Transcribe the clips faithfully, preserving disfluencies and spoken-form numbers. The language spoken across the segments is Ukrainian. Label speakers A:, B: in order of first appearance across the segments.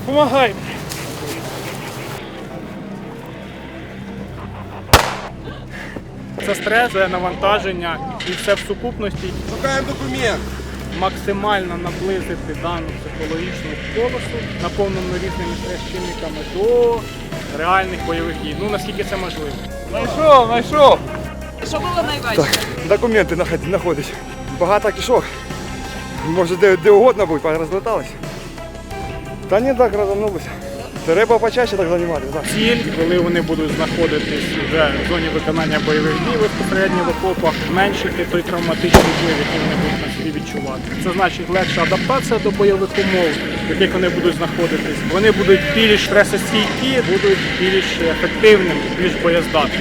A: Помагай. Це стрес, це навантаження і все в сукупності.
B: Шукаємо документ.
A: Максимально наблизити дану психологічну полосу, наповнену різними стрес-чинниками, до реальних бойових дій. Ну, наскільки це можливо.
B: Знайшов, знайшов.
C: Що було найважче?
B: Документи знаходять. Багато кишок. Може де, де угодно бути, розлеталися. Та ні, так розвернулися. Треба почаще так займатися. Так.
A: Ціль, коли вони будуть знаходитись вже в зоні виконання бойових дій безпосередньо в окопах, зменшити той травматичний вплив, який вони будуть на собі відчувати. Це значить легша адаптація до бойових умов, в яких вони будуть знаходитись. Вони будуть більш стресостійкі, будуть більш ефективними, більш боєздатними.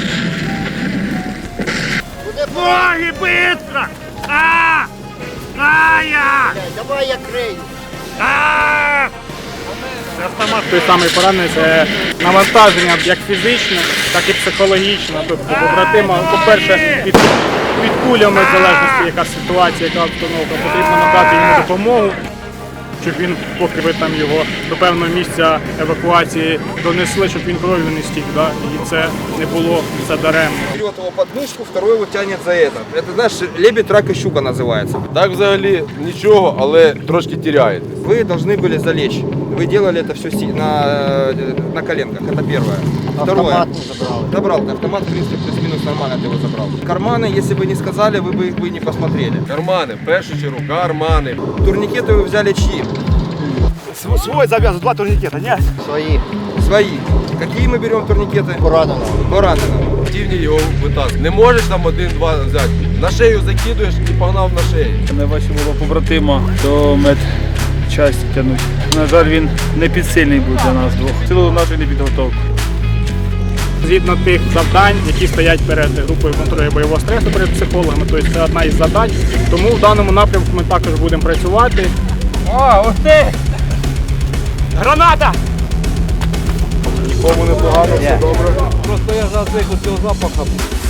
A: Ноги быстро! А! А я!
D: Давай я крию.
A: А! Автомат той самий поранений, це навантаження як фізичне, так і психологічне. Тобто побратима, по-перше, під, під кулями, в залежності яка ситуація, яка обстановка, потрібно надати йому допомогу, щоб він, поки ви там його до певного місця евакуації донесли, щоб він кров'ю не стік, да? І це не було все даремно.
B: Берет его под мышку, второй его тянет за это. Это, знаешь, лебедь, рак и щука называется.
E: Так взагалі нічого, але трошки теряєте.
B: Вы должны были залечь. Вы делали это все на, на коленках, это первое. Второе.
D: Автомат не забрал.
B: Забрал ты автомат, в принципе, плюс-минус нормально ты его забрал. Карманы, если бы не сказали, вы бы их бы не посмотрели.
E: Кармани, в першу чергу, кармани.
B: Турникеты вы взяли чьи? Свой завязан, два турникета, нет?
D: Свои.
B: Свои. Какие мы берем турникеты?
D: Поранено.
B: Пораненого.
E: Активні його витаскують. Не можеш там один-два взяти. На шею закидуєш і погнав на шею.
F: Найважче було побратима до медчасті тягнути. На жаль, він не підсильний був для нас двох. Цілу нашу непідготовку.
A: Згідно тих завдань, які стоять перед групою контролю бойового стресу, перед психологами, тобто це одна із задач. Тому в даному напрямку ми також будемо працювати.
B: О, ух ты! Граната!
E: Нікому не погано, все добре.
B: Просто я зацик у цього запаху.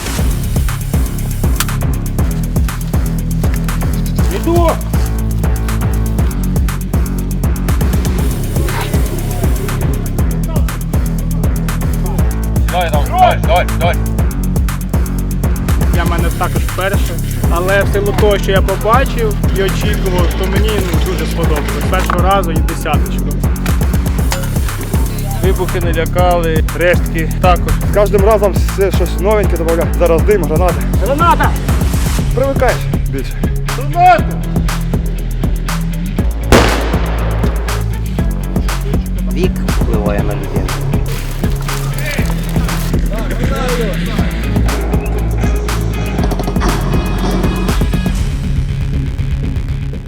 A: Іду!
E: Давай, давай, давай, давай.
A: Для мене також вперше, але в силу того, що я побачив і очікував, то мені ну, дуже сподобалось. З першого разу і десяточку.
F: Вибухи не лякали, рештки також.
B: З кожним разом все щось новеньке додаю. Зараз дим, гранати.
A: Граната!
B: Привикаєш більше.
D: Вік впливає на людину.